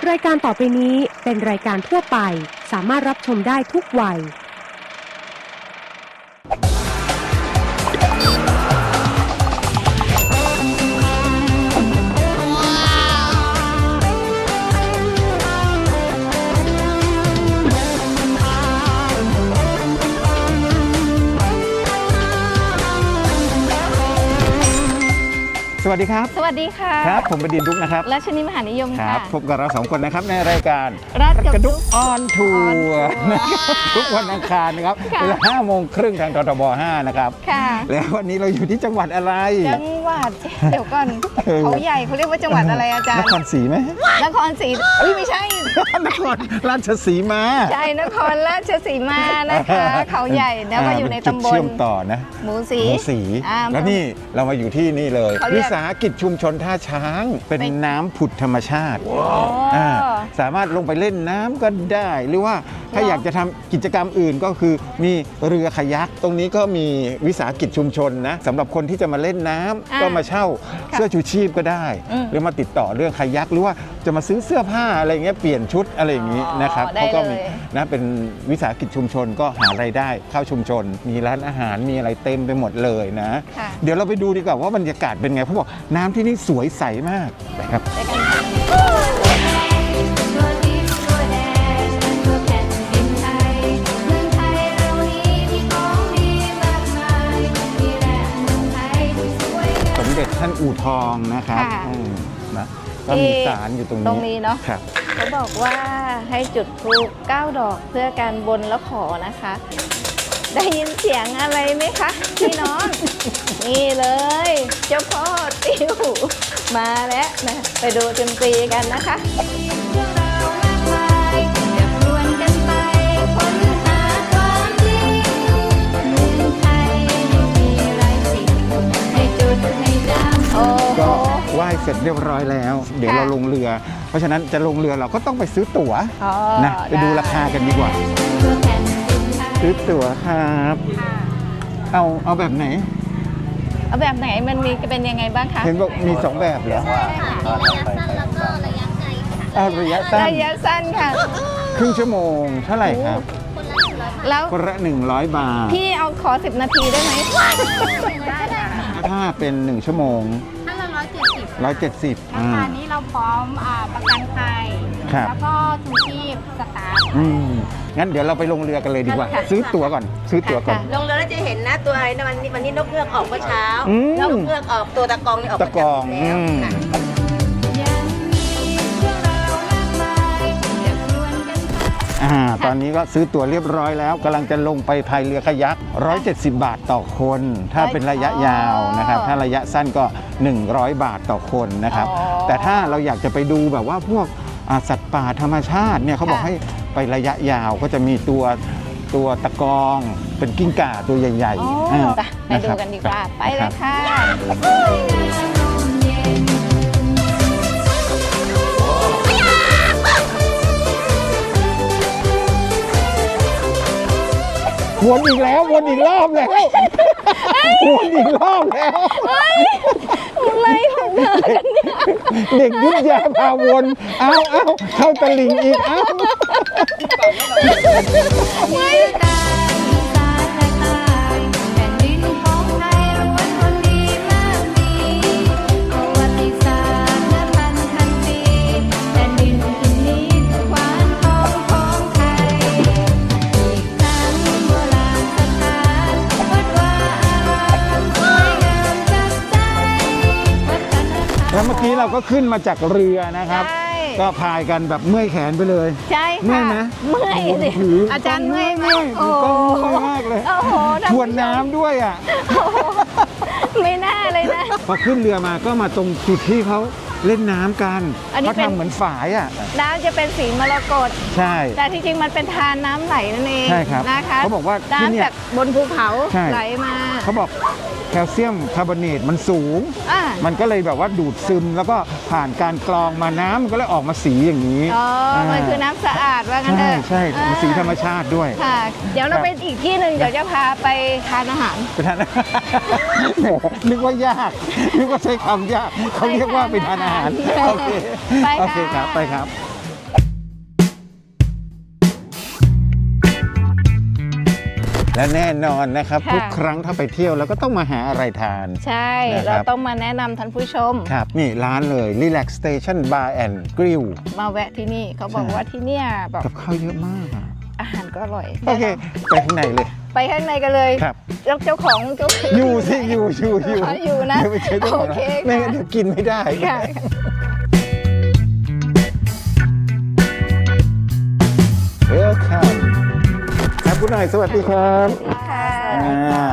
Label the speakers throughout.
Speaker 1: รายการต่อไปนี้เป็นรายการทั่วไปสามารถรับชมได้ทุกวัย
Speaker 2: สวัสดีครับ
Speaker 3: สวัสดีค่ะ
Speaker 2: ครับผมบดินทร์ดุ๊กนะครับ
Speaker 3: รัชนีมหานิยมค่ะ
Speaker 2: พบกับเราสองคนนะครับในรายการ
Speaker 3: รัช
Speaker 2: กระดุกออนทัวร์ทุกวันอังคารนะครับเวลา 5:30 นทางททบ 5นะครับแล้ววันนี้เราอยู่ที่จังหวัดอะไร
Speaker 3: จังหวัดเดี๋ยวก่อนเขาใหญ่เขาเรียกว่าจังหวัดอะไรอาจารย์
Speaker 2: นครศรีไหม
Speaker 3: นครศรีไม่ใช่
Speaker 2: นครราชสีมา
Speaker 3: ใช่นครราชสีมานะคะเขาใหญ่แล้วก็อยู่ในตำบล
Speaker 2: เชื่อมต่อนะ
Speaker 3: หมูสี
Speaker 2: แล้วนี่เรามาอยู่ที่นี่เลยวิสาหกิจชุมชนท่าช้างเป็นน้ำผุดธรรมชาติสามารถลงไปเล่นน้ำก็ได้หรือว่าถ้าอยากจะทำกิจกรรมอื่นก็คือมีเรือคายักตรงนี้ก็มีวิสาหกิจชุมชนนะสำหรับคนที่จะมาเล่นน้ำก็มาเช่าเสื้อชูชีพก็ได้หรือมาติดต่อเรื่องคายักหรือว่าจะมาซื้อเสื้อผ้าอะไรเงี้ยเปลี่ยนชุดอะไรอย่างนี้นะครับเขาก็มีนะเป็นวิสาหกิจชุมชนก็หารายได้เข้าชุมชนมีร้านอาหารมีอะไรเต็มไปหมดเลยนะเดี๋ยวเราไปดูดีกว่าว่าบรรยากาศเป็นไงเขาบอกน้ำที่นี่สวยใสมากนะครับสมเด็จท่านอู่ทองนะครับนะก็มีศาลอยู่ตรงนี้
Speaker 3: เนาะเขาบอกว่าให้จุดธูป9 ดอกเพื่อการบนและขอนะคะได้ยินเสียงอะไรไหมคะพี่น้องนี่เลยเจ้าพ่อติ้วมาแล้วนะไปดูดนตรีกันนะคะ
Speaker 2: ก็ไหว้เสร็จเรียบร้อยแล้วเดี๋ยวเราลงเรือเพราะฉะนั้นจะลงเรือเราก็ต้องไปซื้อตั๋วนะไปดูราคากันดีกว่าซื้อตั๋วครับเอาแบบไหน
Speaker 3: เอาแบบไหนมันมีเป็นยังไงบ้างคะ
Speaker 2: เห็นบอกมี2แบบเหรอ
Speaker 4: ระยะสั้นแล้วก็ระยะไกลค่ะ
Speaker 2: ระยะ
Speaker 3: สั้นค่ะ
Speaker 2: ครึ่งชั่วโมงเท่าไหร่ครับ
Speaker 3: แล้ว
Speaker 2: คนละ100 บาท
Speaker 3: พี่เอาขอ10 นาทีได้ไหม
Speaker 2: ถ้าเป็น1ชั่วโมง
Speaker 4: ถ้าเรา170
Speaker 2: รา
Speaker 4: คานี้เราพร้อมประกันภัยแล้วก็ชูชีพสตาร์ท
Speaker 2: งั้นเดี๋ยวเราไปลงเรือกันเลยดีกว่าซื้อตั๋วก่อน
Speaker 4: ลงเรือแล้วจะเห็นนะตัวอะไรนะวันนี้นกเงือกออกเมื่อเช้านกเงือกออกตัวตะกองนี่ออก
Speaker 2: ตะกองตอนนี้ก็ซื้อตั๋วเรียบร้อยแล้วกำลังจะลงไปพายเรือคายัก170 บาทต่อคนถ้าเป็นระยะยาวนะครับถ้าระยะสั้นก็100 บาทต่อคนนะครับแต่ถ้าเราอยากจะไปดูแบบว่าพวกสัตว์ป่าธรรมชาติเนี่ยเขาบอกให้ไประยะยาวก็จะมีตัวตะกองเป็นกิ้งก่าตัวใหญ่
Speaker 3: ๆไปดูกันดีกว่าไปเลยค่ะ
Speaker 2: วนอีกแล้ววนอีกรอบแล้ววนอีกรอบแล้ว
Speaker 3: อะไรของเธอกันเนี่ย
Speaker 2: เด็กยุทธยาพาวนเอาเข้าตะลิงอีกแล้วเมื่อกี้เราก็ขึ้นมาจากเรือนะครับก็พายกันแบบเมื่อยแขนไปเลย
Speaker 3: ใช่ค่ะ
Speaker 2: เมื่อยไหม
Speaker 3: เมื่อยสิอาจารย์เมื่อยไหม
Speaker 2: โอ้โหมากเลยทวนน้ำด้วย
Speaker 3: ไม่น่าเลยนะ
Speaker 2: พอขึ้นเรือมาก็มาตรงจุดที่เขาเล่นน้ำกันเขาทำเหมือนฝาย
Speaker 3: น้ำจะเป็นสีมรกต
Speaker 2: ใช่
Speaker 3: แต่ที่จริงมันเป็นทานน้ำไหลนั่นเอง
Speaker 2: ใช่ครับ
Speaker 3: นะคะ
Speaker 2: เขาบอกว่า
Speaker 3: น้ำจากบนภูเขาไหลมา
Speaker 2: เขาบอกแคลเซียมคาร์บอเนตมันสูงมันก็เลยแบบว่าดูดซึมแล้วก็ผ่านการกรองมาน้ำมันก็เลยออกมาสีอย่างนี้
Speaker 3: มันคือน้ำสะอาดว่างั้นเถอะ
Speaker 2: ใช่มันสีธรรมชาติด้วย
Speaker 3: ค่ะเดี๋ยวเราไปอีกที่หนึ่งเดี๋ยวจะพาไปทานอาหาร
Speaker 2: ไปทานนึกว่ายากนึกว่าใช้คำยากเขาเรียกว่าไปทานอาหารโอเคครับไปครับและแน่นอนนะครับ
Speaker 3: ค่ะ
Speaker 2: ทุกครั้งถ้าไปเที่ยวแล้วก็ต้องมาหาอะไรทาน
Speaker 3: ใช่
Speaker 2: นะครับ
Speaker 3: เราต้องมาแนะนำท่านผู้ชม
Speaker 2: ครับนี่ร้านเลย Relax Station Bar and Grill
Speaker 3: มาแวะที่นี่เขาบอก
Speaker 2: ใช่
Speaker 3: ว่าที่เนี่ยแบบ
Speaker 2: กับข้าวเยอะมากอะ
Speaker 3: อาหารก็อร่อย
Speaker 2: โอเค ไปข้างในเลย
Speaker 3: ไปข้างในกันเลย
Speaker 2: ครับ
Speaker 3: เจ้าของ
Speaker 2: อยู่สิอยู่
Speaker 3: อยู่นะ
Speaker 2: เดี๋ยวไปเจอเจ้าของ
Speaker 3: โอเค
Speaker 2: ร้านไม่งั้นเดี๋ยวกินไม่ได้
Speaker 3: ค่ะ
Speaker 2: Welcome ครับคุณหน่อยสวัสดีครับ
Speaker 3: ค่ะ
Speaker 2: อ่า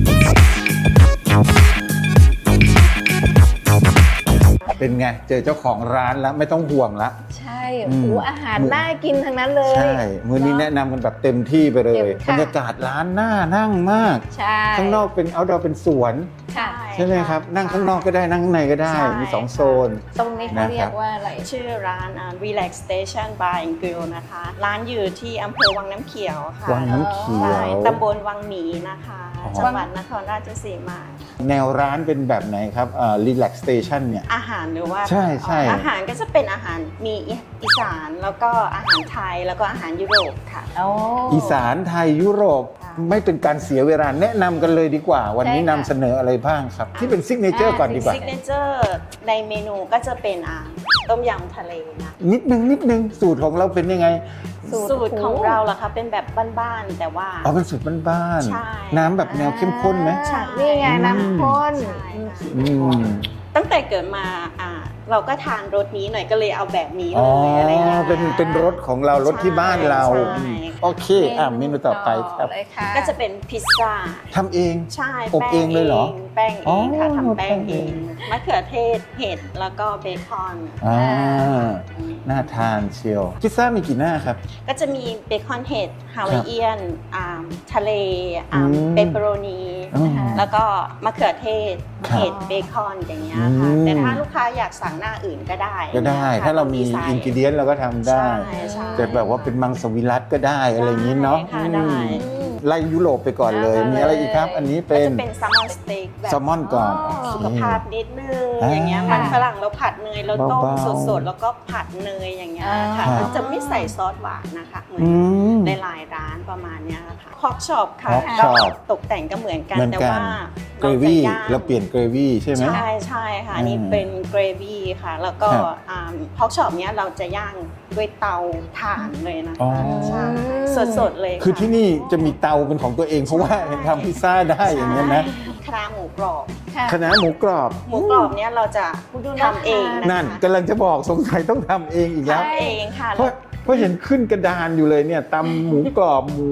Speaker 2: เป็นไง เจอเจ้าของร้านแล้วไม่ต้องห่วงละ
Speaker 3: ใช่
Speaker 2: อืม
Speaker 3: โอ้อาหารน่ากินทั้งนั้นเลย
Speaker 2: ใช่มื้อนี้แนะนำกันแบบเต็มที่ไปเลย
Speaker 3: เต็มค่ะ
Speaker 2: บรรยากาศร้านน่านั่งมาก
Speaker 3: ใช่
Speaker 2: ข้างนอกเป็น outdoor เป็นสวน
Speaker 3: ค่ะ
Speaker 2: ใช่ไหมครับ นั่งข้างนอกก็ได้นั่งข้างในก็ได้
Speaker 4: ใช่
Speaker 2: มี 2 โซน
Speaker 3: ตรงนี้เขาเรีย
Speaker 2: นะครั
Speaker 3: ก
Speaker 2: บ
Speaker 3: ว่าอะไร
Speaker 4: ชื่อร้าน Relax Station Bar and Grill นะคะ ร้านอยู่ที่อำเภอวังน้ำเขียวค่ะ
Speaker 2: วังน้ำเขีย
Speaker 4: ใช่
Speaker 2: ว
Speaker 4: ตำบลวังหมีนะคะ
Speaker 2: อ๋อ
Speaker 4: จังหวัดนครราชสีมา
Speaker 2: แนวร้านเป็นแบบไหนครับRelax Station เนี่ย
Speaker 4: อาหารหรือว่า
Speaker 2: ใช่ใช่
Speaker 4: อาหารก็จะเป็นอาหารมีอีสานแล้วก็อาหารไทยแล้วก็อาหารยุโรปค่ะ
Speaker 3: โอ้
Speaker 2: อีสานไทยยุโรป
Speaker 4: ค่ะ
Speaker 2: ไม่เป็นการเสียเวลาแนะนำกันเลยดีกว่า วันนี้
Speaker 3: ใช่
Speaker 2: นำ
Speaker 3: ค่ะ
Speaker 2: เสนออะไรบ้างครับ ที่เป็นซิกเนเจอร์ก่อนดีกว่า
Speaker 4: ซิกเนเจอร์ในเมนูก็จะเป็นต้มยำทะเลนะ
Speaker 2: นิดนึงสูตรของเราเป็นยังไง
Speaker 4: สูตรของเราล่ะคะเป็นแบบบ้านๆแต่ว่า
Speaker 2: อ๋อเป็นสูตรบ้าน
Speaker 4: ใช่
Speaker 2: ๆน้ำแบบแนวเข้มข้นไหม
Speaker 4: ใช่
Speaker 3: นี่ไงน้ำข้น
Speaker 4: ใช่ค่ะ
Speaker 2: อืม
Speaker 4: ตั้งแต่เกิดมาเราก็ทานรสนี้หน่อยก็เลยเอาแบบนี้
Speaker 2: อ๋
Speaker 4: เล
Speaker 2: อย
Speaker 4: อะไรเงี้ย
Speaker 2: เป็นรสของเรารสที่บ้านเรา
Speaker 4: ใช่
Speaker 2: อืมโอเคเมนูต่อไปครับ
Speaker 3: เลยค่ะ
Speaker 4: ก็จะเป็นพิซซ่า
Speaker 2: ทำเอง
Speaker 4: ใช่
Speaker 2: อบเองเลยเหรอ
Speaker 4: แป้งเองค่ะ
Speaker 2: อ๋อ
Speaker 4: ทำแป้งเอ
Speaker 2: แป้งเอง
Speaker 4: งมะเขือเทศเห็ดแล้วก็เบคอน
Speaker 2: อ่าน่าทานเชียวพิซซ่ามีกี่หน้าครับ
Speaker 4: ก็จะมีเบคอนเห็ดฮาวายเอียนทะเล
Speaker 2: อืม
Speaker 4: เปปเปอโรนี
Speaker 2: อืม
Speaker 4: แล้วก็มะเขือเทศ
Speaker 2: ครับ
Speaker 4: เห็ดเบคอนอย่างเงี้ยค่ะ
Speaker 2: อืม
Speaker 4: แต่ถ้าลูกค้าอยากสั่งหน้าอื่นก็ได้
Speaker 2: ก็ได้
Speaker 4: นะคะ
Speaker 2: ถ้าเรามี
Speaker 4: ใส่
Speaker 2: อินกิเดียนเราก็ทำได้
Speaker 4: ใช่
Speaker 2: แต่แบบว่าเป็นมังสวิรัตก็ได้อะไรอย่างนี้เนาะ
Speaker 4: ได้ค่ะได้
Speaker 2: อืมไล่ยุโรปไปก่อนเลย มีอะไรอีกครับ อันนี้
Speaker 4: ก็
Speaker 2: เป็น
Speaker 4: จะเป็นแซลมอนสเต็กแบบ
Speaker 2: แซลมอนก่อน
Speaker 4: สุขภาพนิดนึง
Speaker 2: อ่า
Speaker 4: อย่างเงี้ยมันฝรั่งเราผัดเนยเราต้ม
Speaker 2: เบาๆ
Speaker 4: สดๆแล้วก็ผัดเนยอย่างเงี้ยค่ะ
Speaker 2: ครับ
Speaker 4: มันจะไม่ใส่ซอสหวานนะคะเหมือน
Speaker 2: อืม
Speaker 4: ในหลายร้านประมาณเนี้ยค่ะคอกช็อปค่ะ
Speaker 2: Pork
Speaker 4: ก็
Speaker 2: chop
Speaker 4: ตกแต่งก็เหมือนกัน
Speaker 2: เหมือน
Speaker 4: แต่
Speaker 2: กัน
Speaker 4: ว่า
Speaker 2: เกรวี่
Speaker 4: จะย่ง
Speaker 2: เราเปลี่ยนเกรวี่ใช่ไหม
Speaker 4: ใช่ใช่ค่ะ
Speaker 2: อืม
Speaker 4: นี่เป็นเกรวี่ค่ะ แล้วก็
Speaker 2: ครับ
Speaker 4: คอกช็อปเนี้ยเราจะย่างด้วยเตาถ่านเลยนะ
Speaker 2: อ๋อ
Speaker 4: คะใช่สดๆเลยะ
Speaker 2: คือที่นี่จะมีเตาเป็นของตัวเองเพราะว่าทำพิซซ่าได้อย่างนี้ยนะ
Speaker 4: ใช่คณะหมูกรอบ
Speaker 3: ค่ะ
Speaker 2: คณะหมูกรอบ
Speaker 4: หมูกรอบเนี้ยเราจะทำเองนะคะ
Speaker 2: นั่นกำลังจะบอกสงสัยต้องทำเองอีกแล้ว
Speaker 4: ทำเองค่ะ
Speaker 2: เพราะเห็นขึ้นกระดานอยู่เลยเนี่ยตำหมูกรอบหมู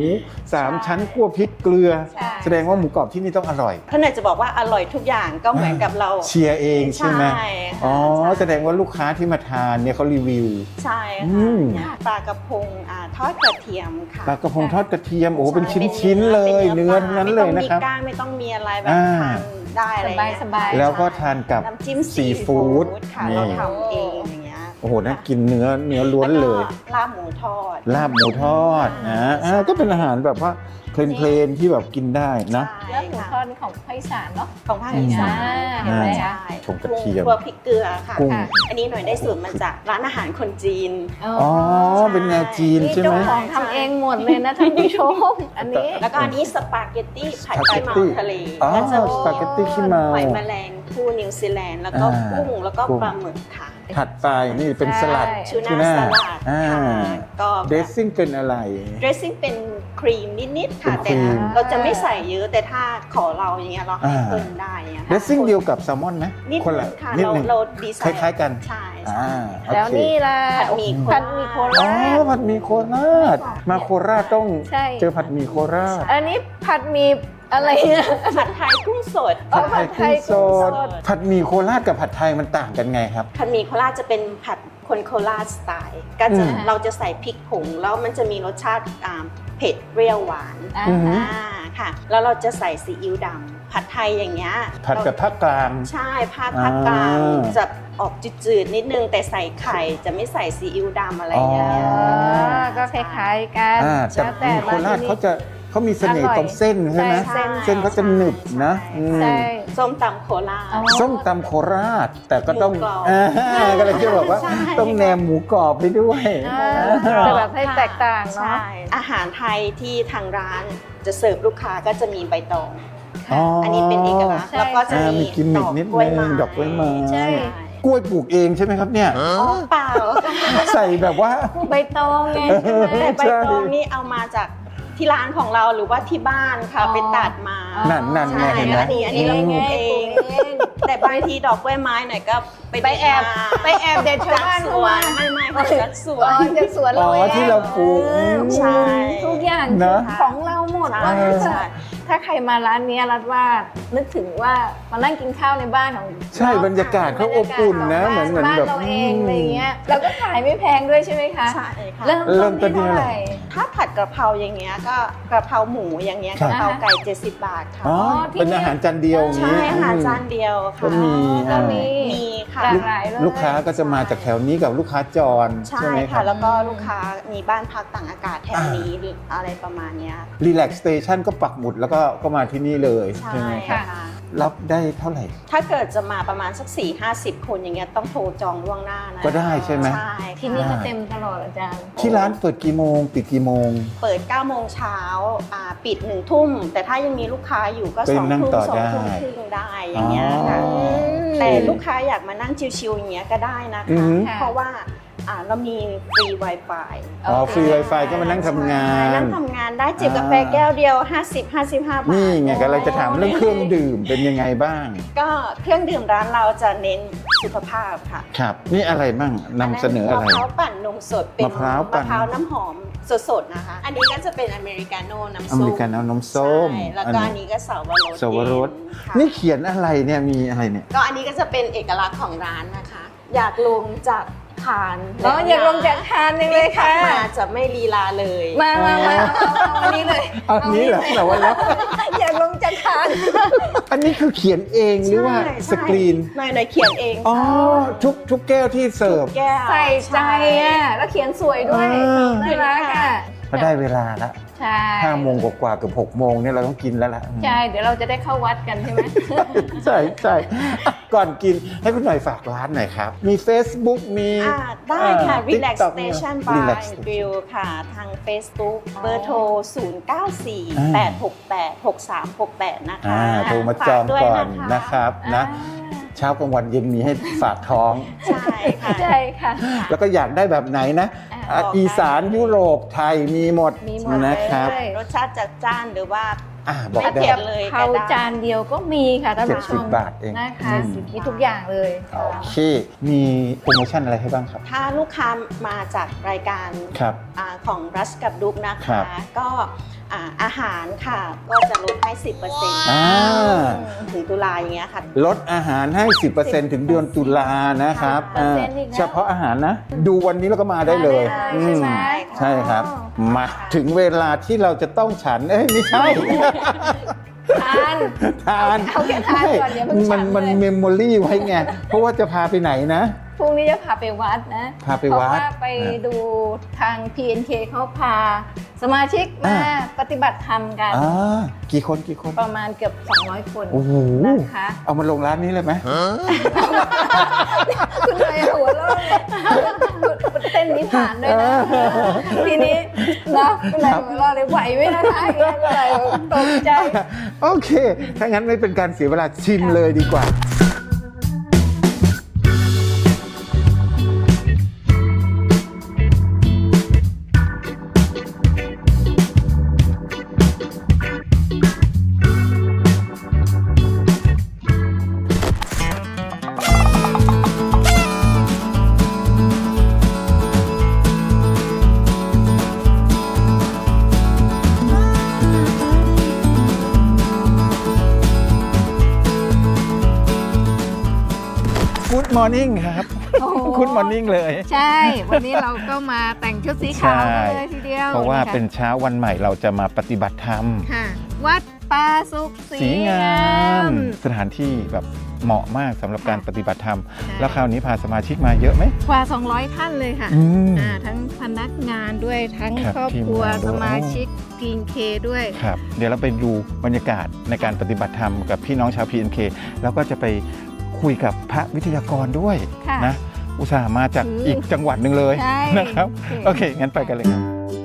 Speaker 2: 3 ชั้นคั่วพริกเกลือ
Speaker 3: ใช่
Speaker 2: แสดงว่าหมูกรอบที่นี่ต้องอร่อย
Speaker 4: ท่านอาจจะบอกว่าอร่อยทุกอย่างก็เหมือนกับเรา
Speaker 2: เชียร์เองใช่ไหม
Speaker 4: ใช่ค่ะ
Speaker 2: อ๋อ
Speaker 4: ใช่
Speaker 2: แสดงว่าลูกค้าที่มาทานเนี่ยเขารีวิว
Speaker 4: ใช่
Speaker 2: อื
Speaker 4: ค่ะ
Speaker 2: ม
Speaker 4: ปลากระพงทอดกระเทียมค่ะ
Speaker 2: ปลากระพงทอดกระเทียมโอ้โหเป็น
Speaker 4: ใช่
Speaker 2: ชิ้นๆเลย
Speaker 4: ป็
Speaker 2: เนื้อทั้งนั้นเลยนะครับ
Speaker 4: ไม่ต้องมีก้างไม่ต้องมีอะไรแบบ
Speaker 2: อ่า
Speaker 4: ทานได้อะไรเงี้
Speaker 3: สบายๆ
Speaker 2: แล้วก็ทานกับ
Speaker 4: น้ำจิ้ม
Speaker 2: ซีฟู้ด
Speaker 4: ค่ะ
Speaker 2: นี่
Speaker 4: เราทำเองอย่างเงี้ย
Speaker 2: โอ้โหน่ากินเนื้อล้วนเลย
Speaker 4: แก็ลาบหมูทอด
Speaker 2: ลาบหมูทอดนะก็เป็นอาหารแบบว่าเพลนๆที่แบบกินได้นะ
Speaker 4: ใช่
Speaker 3: แล้วหมูท
Speaker 4: ค่ะ
Speaker 3: อดของภาคอีสานเนาะ
Speaker 4: ของภาคอีสาน
Speaker 3: เห็นไหม
Speaker 4: ใช่
Speaker 2: ชมกระเทียม
Speaker 4: ครัวพริกเกลือค่ะ
Speaker 2: กุ้ง
Speaker 4: อันนี้หน่อยได้สูตรมาจากร้านอาหารคนจีน
Speaker 2: อ๋อ เป็นแนวจีน
Speaker 3: นี่
Speaker 2: ใช่ไห
Speaker 3: เจ้าม ของทำเองหมดเลยนะท่านผู้ชม อันนี้
Speaker 4: แล้วก็อันนี้สปาเกตตี้ผัด
Speaker 2: สปาเก
Speaker 4: ขี้
Speaker 2: ต
Speaker 4: เมา
Speaker 2: ตี้
Speaker 4: ทะเล
Speaker 2: อ๋อ
Speaker 4: ก็จะมี
Speaker 2: สปาเกตตี้ขี้เมา
Speaker 4: หอยแมลงภู่นิวซีแลนด์แล้วก็
Speaker 2: อ่า
Speaker 4: กุ้งแล้วก็
Speaker 2: กุ้ง
Speaker 4: ปลาหมึกค่ะ
Speaker 2: ถัดไปนี่เป็นสลัด
Speaker 3: ใช่
Speaker 4: ทูน่าสลัด
Speaker 2: อ่า
Speaker 4: ค่ะก็
Speaker 2: เดซซิ่งเป็นอะไร
Speaker 4: เดรสซิ่งเป็นครีมนิดๆค่ะ
Speaker 2: เป็นครี
Speaker 4: แต่
Speaker 2: ม
Speaker 4: เราจะไม่ใส่เยอะแต่ถ้าขอเราอย่างเงี้ยเราให้
Speaker 2: อ่า
Speaker 4: เพิ่มได้อย่างเงี้ย
Speaker 2: เดซซิ่งเดียวกับแซลมอนไหม
Speaker 4: นิด
Speaker 2: คน
Speaker 4: นึ
Speaker 2: ละ
Speaker 4: งค่ะ
Speaker 2: นิด
Speaker 4: เรา
Speaker 2: นึง
Speaker 4: เราดีไซ
Speaker 2: ค
Speaker 4: น์
Speaker 2: ล้ายๆกัน
Speaker 4: ใช่
Speaker 2: อ่า
Speaker 4: ใช่
Speaker 2: โอ
Speaker 3: แล้ว
Speaker 2: เค
Speaker 3: นี่ล่ะ
Speaker 4: ผัดหมี่โคราช
Speaker 3: ผัดหมี่โค
Speaker 2: อ๋อ
Speaker 3: ราช
Speaker 2: ผัดหมี่โคราช มาโคราชต้อง
Speaker 3: ใช่
Speaker 2: เจอผัดหมี่โคราช
Speaker 3: อันนี้ผัดหมี่อะไรเนี่ย
Speaker 4: ผัดไทยกุ้งสด
Speaker 3: อ๋อ
Speaker 2: ผัดไทยกุ้งสด
Speaker 3: ผัดไทยกุ้งสด
Speaker 2: ผัดหมี่โคราชกับผัดไทยมันต่างกันไงครับ
Speaker 4: ผัดหมี่โคราชจะเป็นผัดคนโคราชสไตล์ก็จะ
Speaker 2: อืม
Speaker 4: เราจะใส่พริกผงแล้วมันจะมีรสชาติเผ็ดเปรี้ยวหวาน
Speaker 3: อ่า
Speaker 2: อือหือ
Speaker 4: ค่ะ แล้วเราจะใส่ซีอิ๊วดำผัดไทยอย่างเงี้ย
Speaker 2: ผัดกับภาคกลาง
Speaker 4: ใช่ภาคกลาง
Speaker 2: อ่า
Speaker 4: จะออกจืดๆนิดนึงแต่ใส่ไข่จะไม่ใส่ซีอิ๊วดำอะไรอย่างเงี้ย
Speaker 2: อ๋อ
Speaker 3: ก็คล้ายๆกัน
Speaker 2: แต่
Speaker 3: แล้วแต่
Speaker 2: โคราช
Speaker 3: ที่นี่
Speaker 2: เขามีเสน่ห์ตรงเส้นใช่ไหม
Speaker 3: ใช่
Speaker 2: เส้นเขาจะหนึบนะอืม
Speaker 3: ใช่
Speaker 5: ส้มตำโคราช
Speaker 2: ส้มตำโคราช แต่ก็ต้อง
Speaker 5: หมูกรอบ
Speaker 2: ก็เลยจะบอกว่า
Speaker 5: ใช่
Speaker 2: ต้องแนมหมูกรอบไปด้วย
Speaker 3: จะแบบให้แตกต่างเนาะ
Speaker 5: ใช่อาหารไทยที่ทางร้านจะเสิร์ฟลูกค้าก็จะมีใบตอง อันนี้เป็นเอกลักษณ์
Speaker 3: ใช่
Speaker 5: แล้วก็จะ
Speaker 2: มีกิมมิคนิดนึงดอกกล้วยไม้
Speaker 3: ใช่
Speaker 2: กล้วยปลูกเองใช่ไหมครับเนี่ย
Speaker 5: อ๋อเปล่า
Speaker 2: ใส่แบบว่า
Speaker 3: ใบตองไง
Speaker 5: แต่ใบ
Speaker 2: ใช่
Speaker 5: ตองนี่เอามาจากที่ร้านของเราหรือว่าที่บ้านค่ะ
Speaker 3: อ๋อ
Speaker 5: ไปตัดมา
Speaker 2: นั่นไง
Speaker 5: ใช่
Speaker 2: เห็นไหม
Speaker 5: อันนี้เราปลูกเอง แต่บางทีดอกกล้วยไม้หน่อยก็
Speaker 3: ไปแอบเด็ดชาวบ้าน
Speaker 5: ส
Speaker 3: เข้า
Speaker 5: วน
Speaker 3: มา
Speaker 5: ไม่ค่ะจากสว
Speaker 3: อ๋อน จากสวน
Speaker 2: อ๋
Speaker 3: เรา
Speaker 2: อ
Speaker 3: เอง
Speaker 2: ที่เราปลูก
Speaker 5: ใช่
Speaker 3: ทุกอย่าง
Speaker 2: เนอะ
Speaker 3: ของเราหมด
Speaker 5: ใช่
Speaker 3: ว่างั้นเถ
Speaker 5: ใช่
Speaker 3: อะถ้าใครมาร้านนี้รัดว่านึกถึงว่ามานั่งกินข้าวในบ้านของ
Speaker 2: ใช่บรรยากาศเขาอบอุ่นนะเหมือน
Speaker 3: บ้าน
Speaker 2: แบบ
Speaker 3: เราเองอะไรเงี้ยแล้วก็ขายไม่แพงด้วยใช่ไหมคะ
Speaker 5: ใช่ค่ะ
Speaker 3: เริ่ม
Speaker 2: เริ่
Speaker 3: ต้
Speaker 2: ม
Speaker 3: น
Speaker 2: ต้นที่
Speaker 3: ที่เท่า
Speaker 2: เท่า
Speaker 3: ไห
Speaker 2: ไหร่
Speaker 3: ร่
Speaker 5: ถ้าผัดกระเพราอย่างเงี้ยก็กระเพราหมูอย่างเงี้ย
Speaker 2: ครั
Speaker 5: ก
Speaker 2: บ
Speaker 5: ระเพราไก่70 บาทค่ะ
Speaker 2: อ๋อ
Speaker 3: ที่
Speaker 2: เป็นอาหารจานเดียวอย่าง
Speaker 5: ใช่
Speaker 2: นี้
Speaker 5: อาหารจานเดียว
Speaker 2: ก็
Speaker 5: ค่ะ
Speaker 2: มี
Speaker 3: ก็มี
Speaker 5: มีค่ะ
Speaker 3: หลากหลายเลย
Speaker 2: ลูกค้าก็จะมาจากแถวนี้กับลูกค้าจร
Speaker 5: ใช่
Speaker 2: ใช่ไหมค
Speaker 5: ค่ะ
Speaker 2: รับ
Speaker 5: แล้วก็ลูกค้ามีบ้านพักต่างอากาศแถวนี้หรืออะไรประมาณเนี้ย
Speaker 2: รีแลกซ์สเตชันก็ปักหมุดแล้วก็มาที่นี่เลย
Speaker 5: ใช่
Speaker 2: ใช่ไหมครับ
Speaker 5: ค่ะ
Speaker 2: รับได้เท่าไหร่
Speaker 5: ถ้าเกิดจะมาประมาณสัก 4-50 คนอย่างเงี้ยต้องโทรจองล่วงหน้านะ
Speaker 2: ก็ได้ใช่ไหม
Speaker 5: ใช่
Speaker 3: ที่นี่ก็เต็มตลอดอาจารย์
Speaker 2: ที่ร้านเปิดกี่โมงปิดกี่โมง
Speaker 5: เปิด 9 โมงเช้าปิด 1 ทุ่ม แต่ถ้ายังมีลูกค้าอยู่ก็
Speaker 2: ก็
Speaker 5: 2
Speaker 2: ยังนั่ง
Speaker 5: ทุ่ม
Speaker 2: ต่อ
Speaker 5: 2
Speaker 2: ได้
Speaker 5: ทุ่มครึ่งได้อย่างเงี้ยค่ะ
Speaker 2: อ๋อ
Speaker 5: แต่ลูกค้าอยากมานั่งชิลๆอย่างเงี้ยก็ได้นะ
Speaker 2: อือ
Speaker 5: คะ
Speaker 2: หือ
Speaker 5: เพราะว่าเรามีฟรี Wi-Fi
Speaker 2: อ๋อฟรี Wi-Fi ก็มานั่งทำงา
Speaker 5: ใช่
Speaker 2: น
Speaker 5: นั่งทำงานได้จิบกาแฟแก้วเดียว 50-55 บาท
Speaker 2: นี่ไงก็เลยจะถามเรื่องเครื่องดื่มเป็นยังไงบ้าง
Speaker 5: ก็เครื่องดื่มร้านเราจะเน้นสุขภาพค่ะ
Speaker 2: ครับ นี่อะไรบ้างนำเสนออะไร
Speaker 5: มะพร้าวปั่นนมสดเป็น
Speaker 2: มะพร้าวปั่น
Speaker 5: มะพร้าวน้ำหอมสดๆนะคะ อันนี้ก็จะเป็นอเมริกาโน่น้ำ
Speaker 2: อ
Speaker 5: ส้
Speaker 2: เม
Speaker 5: ม
Speaker 2: ริกันเอานมส้ม
Speaker 5: ใช่แล้วก็อันนี้ก็สาวรส
Speaker 2: สวรส
Speaker 5: เย็ค่ะ
Speaker 2: นี่เขียนอะไรเนี่ยมีอะไรเนี่ย
Speaker 5: ก็อันนี้ก็จะเป็นเอกลักษณ์ของร้านนะคะ อยากลงจากคาน
Speaker 3: อ๋ออยากลงจากคานยังเลยค่ะ
Speaker 5: ที่ขับมาจะไม่ลีลาเลย
Speaker 3: มาเอาอันนี้เลย
Speaker 2: เอาอันนี้เหรอแต่ว่าแล้ว
Speaker 3: อยากลงจากคาน
Speaker 2: อันนี้คือเขียนเองหรือว่า
Speaker 5: ใช่
Speaker 2: สกรีน
Speaker 5: หน่อยเขียนเอง
Speaker 2: อ๋อ ทุกแก้วที่เสิร์ฟ
Speaker 5: แก้ว
Speaker 3: ใส่ใจอ่ะแล้วเขียนสวยด้วย น่ารักอ่ะ
Speaker 2: ก็ได้เวลาละ
Speaker 3: ใช่
Speaker 2: 5 โมงกว่าๆเกือบ6 โมงเนี่ยเราต้องกินแล้วล่ะ
Speaker 3: ใช่ เดี๋ยวเราจะได้เข้าวัดกันใช่ไหม
Speaker 2: ใช่ใช่อ่ะก่อนกินให้คุณหน่อยฝากร้านหน่อยครับ มี Facebook มี
Speaker 5: ได้ค่ะ Relax
Speaker 2: TikTok
Speaker 5: Station
Speaker 2: มี
Speaker 5: by
Speaker 2: Relax
Speaker 5: Grill ค่ะ ทาง Facebook เบอร์โทร 0948686368 นะคะ
Speaker 2: โทรมาจองก่อนนะครับนะเช้ากลางวันเย็นมีให้ฝากท้อง
Speaker 5: ใช่ค่ะ
Speaker 3: ใช่ค่ะ
Speaker 2: แล้วก็อยากได้แบบไหนนะ
Speaker 5: บอกได้
Speaker 2: อีสานยุโรปไทยมีหมด
Speaker 3: มีหมด
Speaker 2: นะครับ
Speaker 3: เลย
Speaker 5: รสชาติจัดจ้านหรือว่า
Speaker 2: บอก
Speaker 5: ไม่
Speaker 2: ได้
Speaker 5: เผ็ดเลย
Speaker 3: เขาจานเดียวก็มีค่ะท่านผู้ชม
Speaker 2: 70 บาทเอง
Speaker 3: นะคะ
Speaker 2: อืม
Speaker 3: มีทุกอย่างเลย
Speaker 2: โอเค มีโปรโมชั่นอะไรให้บ้างครับ
Speaker 5: ถ้าลูกค้ามาจากรายการ
Speaker 2: ครับ
Speaker 5: ของรัชกับดุกนะ
Speaker 2: ครั
Speaker 5: คะ
Speaker 2: บ
Speaker 5: ก็อาหารค่ะ ก็จะลดให้ 10%
Speaker 2: อ่า
Speaker 5: ถึงตุลาอย่างเงี้ยค่ะ
Speaker 2: ลดอาหารให้ 10%ถึงเดือนตุลานะครับ
Speaker 3: 10%อีกแล้ว
Speaker 2: เฉพาะอาหารนะ ดูวันนี้แล้วก็มาได้เลย
Speaker 3: มาได้เลย
Speaker 2: อืม
Speaker 3: ใช่ไหม
Speaker 2: ใช่ครับ มาถึงเวลาที่เราจะต้องฉัน ไม่ใช่
Speaker 3: ทาน
Speaker 2: ทาน
Speaker 3: เอาแค่ทานก่อนอย่าเพิ่งฉัน
Speaker 2: มัน
Speaker 3: เลย
Speaker 2: เมมโมรี่ไว้ไง เพราะว่าจะพาไปไหนนะ
Speaker 3: พรุ่งนี้จะพาไปวัดนะ
Speaker 2: พาไป
Speaker 3: เพราะ
Speaker 2: วัด
Speaker 3: ว่าไปดูทาง PNK เขาพาสมาชิกมาปฏิบัติธรรมกัน
Speaker 2: กี่คน
Speaker 3: ประมาณเกือบ200 คน
Speaker 2: โอ้โห
Speaker 3: นะคะ
Speaker 2: เอามาลงร้านนี้เลยไหม
Speaker 3: คุณนายหัวเราะเต้นนี้ผ่านด้วยนะ ทีนี้นะคุณนายหัวเราะเลยไหวไหมนะคะอย่างเงี้ยก็เลยตกใจ
Speaker 2: โอเค ถ้างั้นไม่เป็นการเสียเวลาชิมเลยดีกว่า Good morning ครับ
Speaker 3: โอ้โห
Speaker 2: Good morning เลย
Speaker 3: ใช่ วันนี้เราก็มาแต่งชุดสีขาวกันเลยทีเดียว
Speaker 2: เพราะว่า
Speaker 3: ค่
Speaker 2: เป็นเช้าวันใหม่เราจะมาปฏิบัติธรรม
Speaker 3: ค่ะ วัดป่าสุข
Speaker 2: สีงาม สถานที่แบบเหมาะมากสำหรับการปฏิบัติธรรม
Speaker 3: ใช่
Speaker 2: แล้วคราวนี้พาสมาชิกมาเยอะไหม
Speaker 3: กว่า 200 ท่านเลยค่ะ
Speaker 2: อืม
Speaker 3: ทั้งพนักงานด้วยทั้ง
Speaker 2: ครับ
Speaker 3: ครอบครัว
Speaker 2: ทีมงานด้วย
Speaker 3: สมาชิกพีนเคด้วย
Speaker 2: ครับเดี๋ยวเราไปดูบรรยากาศในการปฏิบัติธรรมกับพี่น้องชาว PNK แล้วก็จะไปคุยกับพระวิทยากรด้วย
Speaker 3: ค่ะ
Speaker 2: นะอุตส่าห์มาจาก
Speaker 3: อืม
Speaker 2: อีกจังหวัดหนึ่งเลย
Speaker 3: ใช่
Speaker 2: นะครับโอเคงั้นไปกันเลยครับ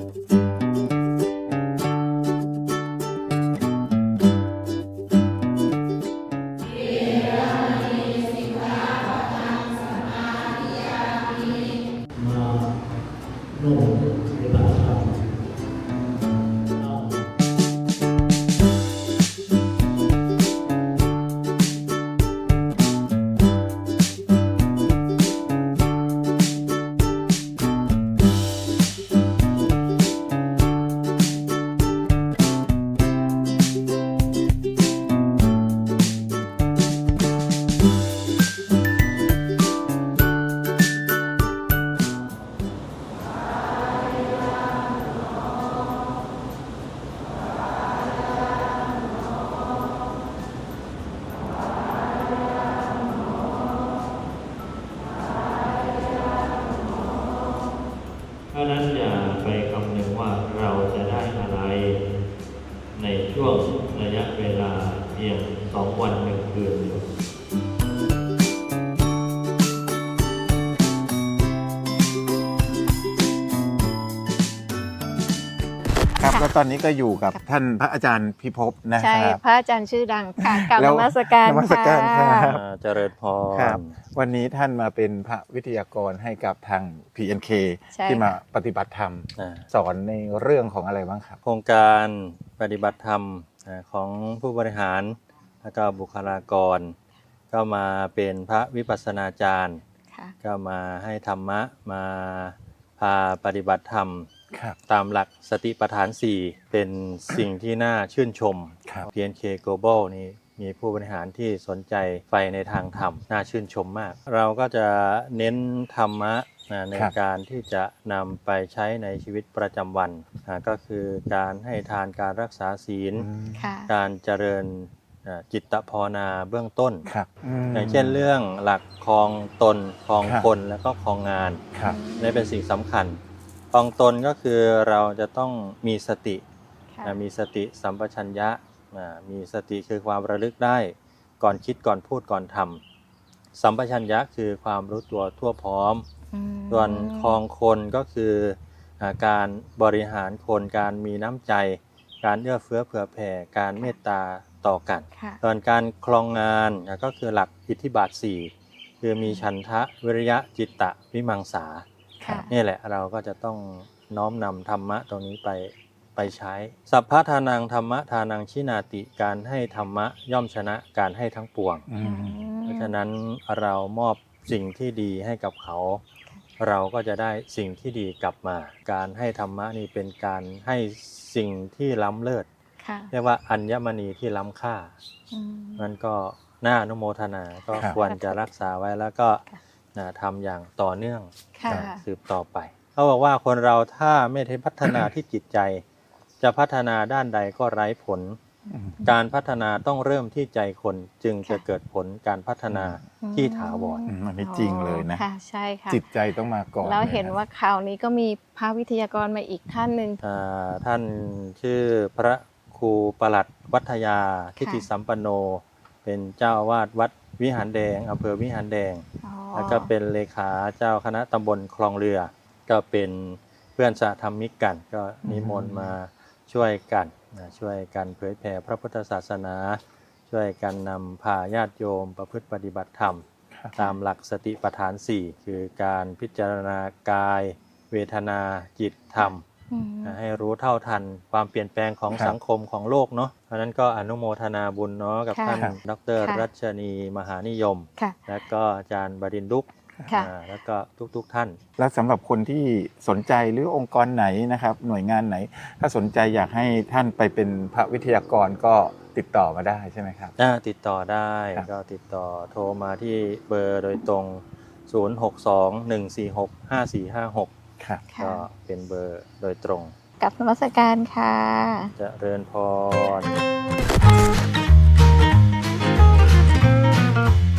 Speaker 6: เพราะฉะนั้นอย่าไปคำนึงว่าเราจะได้อะไรในช่วงระยะเวลาเพียง2 วัน 1 คืนเดียว
Speaker 2: ครับแล้วตอนนี้ก็อยู่กับท่านพระอาจารย์พิภพนะ
Speaker 3: ใช่
Speaker 2: ครับ
Speaker 3: พระอาจารย์ชื่อดังค่ะกราบ
Speaker 2: แล้
Speaker 3: น
Speaker 2: ว
Speaker 3: มัสการ
Speaker 2: นมัสการครั
Speaker 3: ค่ะ
Speaker 2: บ
Speaker 6: เจริญพ
Speaker 2: ค
Speaker 6: ร
Speaker 2: รับวันนี้ท่านมาเป็นพระวิทยากรให้กับทาง PNK
Speaker 3: ใช่
Speaker 2: ที่มา
Speaker 3: ค่ะ
Speaker 2: ปฏิบัติธรรม
Speaker 6: อ่า
Speaker 2: สอนในเรื่องของอะไรบ้างครับ
Speaker 6: โครงการปฏิบัติธรรมของผู้บริหารและก็บุคลากร ก็มาเป็นพระวิปัสสนาจารย์
Speaker 3: ค่ะ
Speaker 6: ก็มาให้ธรรมะมาพาปฏิบัติธรรม
Speaker 2: ครับ
Speaker 6: ตามหลักสติปัฏฐาน 4 เป็นสิ่งที่น่าชื่นชม
Speaker 2: ครับ
Speaker 6: PNK Global นี่มีผู้บริหารที่สนใจใฝ่ในทางธรรม น่าชื่นชมมาก เราก็จะเน้นธรรมะใน
Speaker 2: ครับ
Speaker 6: การที่จะนำไปใช้ในชีวิตประจำวันก็คือการให้ทานการรักษาศีล
Speaker 2: อืม
Speaker 3: ค่ะ
Speaker 6: การเจริญจิตภาวนาเบื้องต้น
Speaker 2: ครับม
Speaker 6: อย่างเช่นเรื่องหลักครองตนครอง
Speaker 2: ครับ
Speaker 6: คนและก็ครองงาน
Speaker 2: ครับ
Speaker 6: นี่เป็นสิ่งสำคัญครองตนก็คือเราจะต้องมีสติ
Speaker 3: ค่ะ
Speaker 6: มีสติสัมปชัญญะมีสติคือความระลึกได้ก่อนคิดก่อนพูดก่อนทำสัมปชัญญะคือความรู้ตัวทั่วพร้อม
Speaker 3: อืม
Speaker 6: ส่วนครองคนก็คือการบริหารคนการมีน้ำใจ การเอื้อเฟื้อเผื่อแผ่การเมตตาต่อกัน
Speaker 3: ค่ะ
Speaker 6: ส่วนการครองงานก็คือหลักอิทธิบาท 4 คือมีฉันทะวิริยะจิตตะวิมังสา
Speaker 3: ค่ะ
Speaker 6: นี่แหละเราก็จะต้องน้อมนำธรรมะตรงนี้ไปใช้สัพพะทานังธรรมะทานังชินาติการให้ธรรมะย่อมชนะการให้ทั้งปวง
Speaker 2: อืม
Speaker 6: เพราะฉะนั้นเรามอบสิ่งที่ดีให้กับเขา เราก็จะได้สิ่งที่ดีกลับมา การให้ธรรมะนี่เป็นการให้สิ่งที่ล้ำเลิศ
Speaker 3: ค่ะ
Speaker 6: เรียกว่าอัญมณีที่ล้ำค่า
Speaker 3: อืม
Speaker 6: นั่นก็น่าอนุโมทนาก็
Speaker 2: ครับ
Speaker 6: ควรจะรักษาไว้แล้วก็ทำอย่างต่อเนื่อง
Speaker 3: ค่ะ
Speaker 6: สืบต่อไปเขาบอกว่าคนเราถ้าไม่ได้พัฒนาที่จิตใจ จะพัฒนาด้านใดก็ไร้ผล
Speaker 2: อืม
Speaker 6: การพัฒนาต้องเริ่มที่ใจคนจึงจะเกิดผลการพัฒนาที่ถาวร
Speaker 2: อันนี้จริงเลยนะ
Speaker 3: ค่ะ ใช่ค่ะ
Speaker 2: จิตใจต้องมาก่อน
Speaker 3: แล้วเห็น
Speaker 2: ลยะ
Speaker 3: ว่าคราวนี้ก็มีพระวิทยากรมาอีกท่านหนึ่ง
Speaker 6: ท่านชื่อพระครูประหลัดวัฒยาทิติสัมปันโน เป็นเจ้าอาวาสวัดวิหารแดงอำเภอวิหารแดง
Speaker 3: อ๋อ
Speaker 6: แล้วก็เป็นเลขาเจ้าคณะตำบลคลองเรือ ก็เป็นเพื่อนสหธรรมิกกัน ก็นิมนต์มาช่วยกันช่วยกันเผยแผ่พระพุทธศาสนา ช่วยกันนำพาญาติโยมประพฤติปฏิบัติธรรม ตามหลักสติปัฏฐาน 4 คือการพิจารณากาย เวทนาจิตธรรม
Speaker 3: อืม
Speaker 6: ให้รู้เท่าทันความเปลี่ยนแปลงของ
Speaker 2: ครับ
Speaker 6: สังคมของโลกเนาะเพราะฉะนั้นก็อนุโมทนาบุญเนาะกับ
Speaker 3: ค่ะ
Speaker 6: ท่าน
Speaker 2: ครับ
Speaker 6: ดร
Speaker 3: ค่ะ
Speaker 6: รัชนีมหานิยม
Speaker 3: ค่ะ
Speaker 6: และก็อาจารย์บดินทร์ดุก
Speaker 3: ค่ะ
Speaker 6: แล้วก็ทุกท่าน
Speaker 2: แล้วสำหรับคนที่สนใจหรือองค์กรไหนนะครับ หน่วยงานไหน ถ้าสนใจอยากให้ท่านไปเป็นพระวิทยากรก็ติดต่อมาได้ใช่ไหมครับ
Speaker 6: ติดต่อได้
Speaker 2: ครับ
Speaker 6: ก็ติดต่อโทรมาที่เบอร์โดยตรง 062-146-5456
Speaker 2: ครับ
Speaker 3: ค่ะ
Speaker 6: ก็เป็นเบอร์โดยตรง
Speaker 3: กับนมัสการค่ะ
Speaker 6: เจริญพร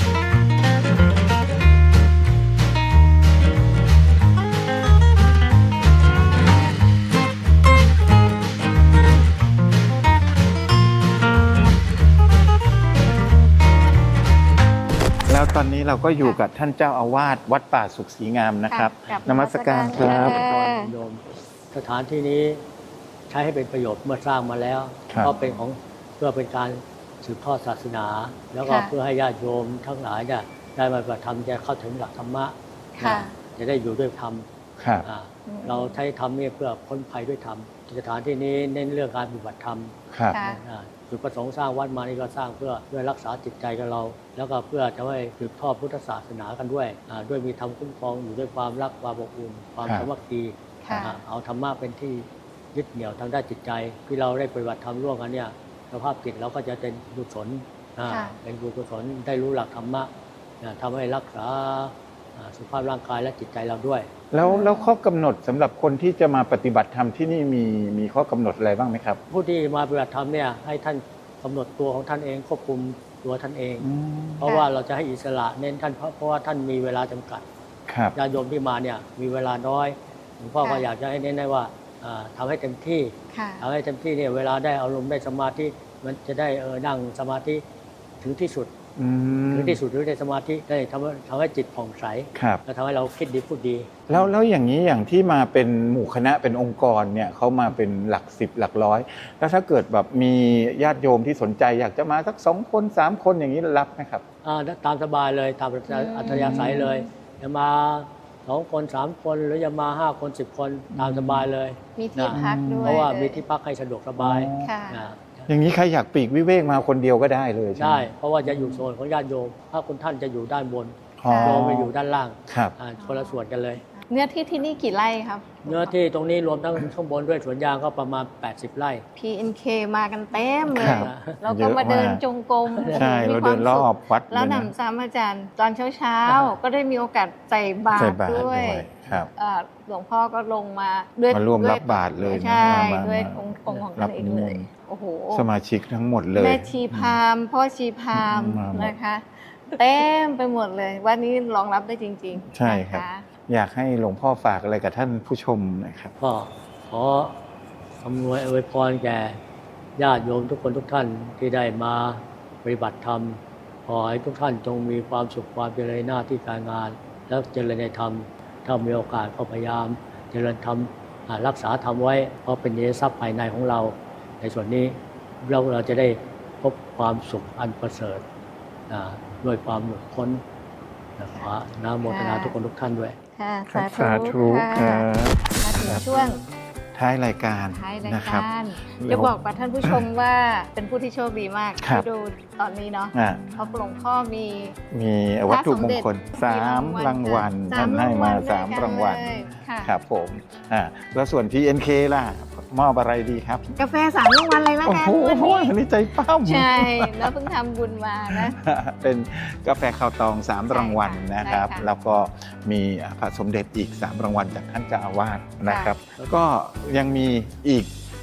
Speaker 2: เราก็อยู่กับท่านเจ้าอาวาสวัดป่าสุขศรีงามนะครับ
Speaker 3: ค่ะ
Speaker 2: นมัสการครับ
Speaker 7: โยมสถานที่นี้ใช้ให้เป็นประโยชน์เมื่อสร้างมาแล้ว
Speaker 2: ครับ
Speaker 7: ก็เป็นของเพื่อเป็นการสืบทอดศาสนา แล้วก็
Speaker 3: ค่ะ
Speaker 7: เพื่อให้ญาติโยมทั้งหลายเนี่ยได้มาปฏิบัติธรรมจะเข้าถึงหลักธรรมะ
Speaker 3: ค่ะ
Speaker 7: จะได้อยู่ด้วยธรรม
Speaker 2: ครับ
Speaker 7: อ่าเราใช้ธรรมเนี่ยเพื่อพ้นภัยด้วยธรรมสถานที่นี้เน้นเรื่องการปฏิบัติธรรม
Speaker 2: ครับ
Speaker 3: ค่ะ
Speaker 7: จุดประสงค์สร้างวัดมานี่ก็สร้างเพื่อรักษาจิตใจกับเรา แล้วก็เพื่อจะให้สืบทอดพุทธศาสนากันด้วยด้วยมีธรรมคุ้มครองอยู่ด้วยความรักความอบอุ่นความ
Speaker 2: ครับ
Speaker 7: สามัคคี
Speaker 3: ค่ะ
Speaker 7: เอาธรรมะเป็นที่ยึดเหนี่ยวทางด้านจิตใจ ที่เราได้ปฏิบัติธรรมร่วมกันเนี่ยสภาพจิตเราก็จะเป็นกุศล
Speaker 3: ค่ะ
Speaker 7: เป็นกุศลได้รู้หลักธรรมะทำให้รักษาสุขภาพร่างกายและจิตใจเราด้วย
Speaker 2: แล้วข้อกำหนดสำหรับคนที่จะมาปฏิบัติธรรมที่นี่มีข้อกำหนดอะไรบ้างไหมครับ
Speaker 7: ผู้ที่มาปฏิบัติธรรมเนี่ยให้ท่านกำหนดตัวของท่านเองควบคุมตัวท่านเอง เพราะว่าเราจะให้อิสระเน้นท่านเพราะว่าท่านมีเวลาจำกัด
Speaker 2: ครับ
Speaker 7: ญาติโยมที่มาเนี่ยมีเวลาน้อยหลวงพ่อก็
Speaker 3: ค่ะ
Speaker 7: อยากจะให้เน้นได้ว่าทำให้เต็มที่
Speaker 3: ค่ะ
Speaker 7: ทำให้เต็มที่เนี่ยเวลาได้อารมณ์ได้สมาธิมันจะได้นั่งสมาธิถึงที่สุด
Speaker 2: อืม
Speaker 7: ถึงที่สุดหรือได้สมาธิได้ทำให้จิตผ่องใส
Speaker 2: ครับ
Speaker 7: และทำให้เราคิดดีพูดดี
Speaker 2: แล้วอย่างนี้อย่างที่มาเป็นหมู่คณะเป็นองค์กรเนี่ยเขามาเป็นหลักสิบหลักร้อย แล้วถ้าเกิดแบบมีญาติโยมที่สนใจอยากจะมาสัก2 คน 3 คนอย่างนี้รับไหมครับ
Speaker 7: ตามสบายเลยตามอัธยาศัยเลยจะมา2 คน 3 คนหรือจะมา5 คน 10 คนตามสบายเลย
Speaker 3: มีที่พักด้วย
Speaker 7: เพราะว่ามีที่พักให้สะดวกสบาย
Speaker 3: ค่ะ
Speaker 7: นะ
Speaker 2: อย่างนี้ใครอยากปลีกวิเวกมาคนเดียวก็ได้เลยใช่ไหม
Speaker 7: ได้เพราะว่าจะอยู่โซนของญาติโยมถ้าคุณท่านจะอยู่ด้านบน
Speaker 2: อ๋อ
Speaker 7: โยมไปอยู่ด้านล่าง
Speaker 2: ครับ
Speaker 7: คนละส่วนกันเลย
Speaker 3: เนื้อที่ที่นี่กี่ไร่ครับ
Speaker 7: เนื้อที่ตรงนี้รวมทั้งข้างบนด้วยสวนยางก็ประมาณ80 ไร่
Speaker 3: PNK มากันเต็มเล
Speaker 2: ครั
Speaker 3: ย
Speaker 2: บ
Speaker 3: เราก็มาเดินจงกรม
Speaker 2: ใช่
Speaker 3: มี
Speaker 2: เรา
Speaker 3: คว
Speaker 2: เดิ
Speaker 3: ม
Speaker 2: นรอบวัด
Speaker 3: แล้ว
Speaker 2: เลย
Speaker 3: ห
Speaker 2: นะ
Speaker 3: นำซ้ำอาจารย์ตอนเช้าๆ ก็ได้มีโอกาสใส่บา
Speaker 2: ใส่
Speaker 3: ตร
Speaker 2: บาตร
Speaker 3: ด้
Speaker 2: ด้
Speaker 3: ว
Speaker 2: วย ยครับ
Speaker 3: หลวงพ่อก็ลงมาด้วย
Speaker 2: มาร่วม
Speaker 3: ด้
Speaker 2: รับบาตรเลยนะ
Speaker 3: ใช่
Speaker 2: มา
Speaker 3: ด้วย
Speaker 2: มา
Speaker 3: องค์ของ
Speaker 2: รั
Speaker 3: ท่า
Speaker 2: บ
Speaker 3: นเอง
Speaker 2: นิม
Speaker 3: เล
Speaker 2: น
Speaker 3: ย
Speaker 2: ต์
Speaker 3: โอ้โห
Speaker 2: สมาชิกทั้งหมดเลย
Speaker 3: แม่ชีพราหมณ์พ่อชีพราหมณ์
Speaker 2: มาหมด
Speaker 3: นะคะ เต็มไปหมดเลยวันนี้รองรับได้จริงๆ
Speaker 2: ใช่ครับ
Speaker 3: นะะ
Speaker 2: อยากให้หลวงพ่อฝากอะไรกับท่านผู้ชมนะครับ
Speaker 7: ก็ขออำนวยอวยพรแก่ญาติโยมทุกคนทุกท่านที่ได้มาปฏิบัติธรรมขอให้ทุกท่านจงมีความสุขความเจริญหน้าที่การงาน แล้วเจริญในธรรมถ้ามีโอกาสก็พยายามเจริญธรรมรักษาธรรมไว้เพราะเป็นเนยทรัพย์ภายในของเรา ในส่วนนี้เราจะได้พบความสุขอันประเสริฐด้วยความหลุดพ้นขอน้ำโมทนาทุกคนทุกท่านด้วย
Speaker 3: ค่ะ
Speaker 2: ครับ
Speaker 3: สาธุ
Speaker 2: ครั
Speaker 3: ค่ะ
Speaker 2: บ
Speaker 3: มาถึงช่วง
Speaker 2: ท้ายรายการ
Speaker 3: ท้ายราย
Speaker 2: นะครับ
Speaker 3: การจะบอกกับท่านผู้ชมว่าเป็นผู้ที่โชคดีมาก
Speaker 2: ครับ
Speaker 3: ที่ดูตอนนี้เนาะ
Speaker 2: อ่ะ
Speaker 3: เพราะหลวงพ่อมี
Speaker 2: มีวัตถุมงคล
Speaker 3: พระสมเด็จ
Speaker 2: 3 รางวัลท่านให้มา3 รางวัล
Speaker 3: ค่ะ
Speaker 2: ครับผมแล้วส่วน PNK ล่ะ มอบอะไรดีครับ
Speaker 3: กาแฟ3 รางวัลเลยละ
Speaker 2: โอ้
Speaker 3: กัน
Speaker 2: โห
Speaker 3: วันนี้
Speaker 2: อันนี้ใจปั้ม
Speaker 3: ใช่แล้วเพิ่งทำบุญมานะ
Speaker 2: เป็นกาแฟข้าวตอง 3 รางวัลนะครับ
Speaker 3: ใช่ค่ะ
Speaker 2: แล้วก็มีพระสมเด็จอีก 3 รางวัลจากท่านเจ้าอาวาสนะครับ ก็ยังมีอีก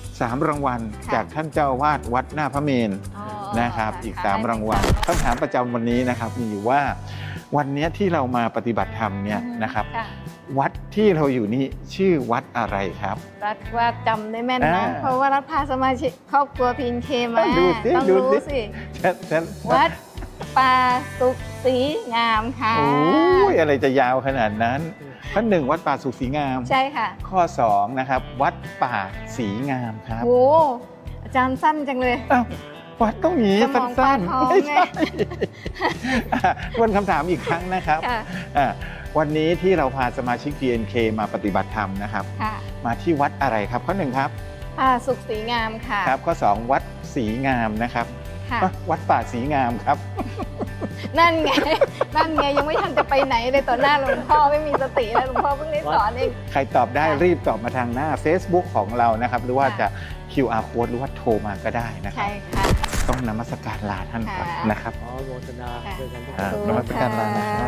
Speaker 2: 3 รางวัล
Speaker 3: ค่ะ
Speaker 2: จากท่านเจ้าอาวาสวัดหน้าพระเมรุ
Speaker 3: อ๋อ
Speaker 2: นะครับอีก
Speaker 3: ค่ะ
Speaker 2: 3 รางวัลคำถามประจำวันนี้นะครับมีอยู่ว่าวันนี้ที่เรามาปฏิบัติธรรมเนี่ยนะครับ
Speaker 3: ค่ะ
Speaker 2: วัดที่เราอยู่นี่ชื่อวัดอะไรครับ
Speaker 3: รัฐว่าจำได้แม่นนะ
Speaker 2: อ่า
Speaker 3: เพราะว่ารัฐพาสมาชิกครอบครัวพีนเคมา
Speaker 2: ดูสิ
Speaker 3: ต้อง
Speaker 2: ดู
Speaker 3: รู้
Speaker 2: สิ
Speaker 3: สิ
Speaker 2: ฉัน
Speaker 3: วัดป่าสุขศรีงามค่ะ
Speaker 2: โอ้ยอะไรจะยาวขนาดนั้นข้อ1วัดป่าสุขศรีงาม
Speaker 3: ใช่ค่ะ
Speaker 2: ข้อ2นะครับวัดป่าศรีงามครับ
Speaker 3: โหอาจารย์สั้นจังเลย
Speaker 2: อ้าววัดต้องหนี
Speaker 3: สมอง
Speaker 2: สั้น
Speaker 3: ปลาทอง
Speaker 2: ๆไม่
Speaker 3: ไง
Speaker 2: ใช่ วนคำถามอีกครั้งนะครับ
Speaker 3: ค่ะ
Speaker 2: วันนี้ที่เราพาสมาชิก PNK มาปฏิบัติธรรมนะครับ
Speaker 3: ค่ะ
Speaker 2: มาที่วัดอะไรครับข้อ1ครับ
Speaker 3: ป่าสุขศรีงามค่ะ
Speaker 2: ครับข้อ2วัดศรีงามนะครับ
Speaker 3: ค่ะ
Speaker 2: วัดป่าศรีงามครับ
Speaker 3: นั่นไง นั่นไงยังไม่ทันจะไปไหนเลยต่อหน้าหลวงพ่อไม่มีสติแล้วหลวงพ่อเพิ่งได้สอนเอง
Speaker 2: ใครตอบได้
Speaker 3: ค่ะ
Speaker 2: รีบตอบมาทางหน้า Facebook ของเรานะครับ หรือว่า
Speaker 3: ค่ะ
Speaker 2: จะ QR code หรือว่าโทรมาก็ได้นะครั
Speaker 3: ใช่
Speaker 2: บ
Speaker 3: ค่ะ
Speaker 2: ต้องนมัสการลาท่านก่อน
Speaker 3: ค่ะ
Speaker 2: นะครับ
Speaker 7: ขอโมทนาด้วยกันทุกค
Speaker 2: อ่า
Speaker 7: น
Speaker 2: นมัสการลานะครับ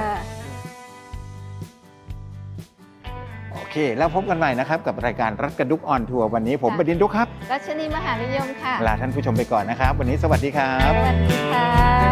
Speaker 2: โอเค แล้วพบกันใหม่นะครับกับรายการรัฐกระดุกออนทัวร์วันนี้ผมบดินทร์ดุกครับ
Speaker 3: รัชนีมหานิยมค่ะ
Speaker 2: ลาท่านผู้ชมไปก่อนนะครับ วันนี้สวัสดีครับ
Speaker 3: สวัสดีค่ะ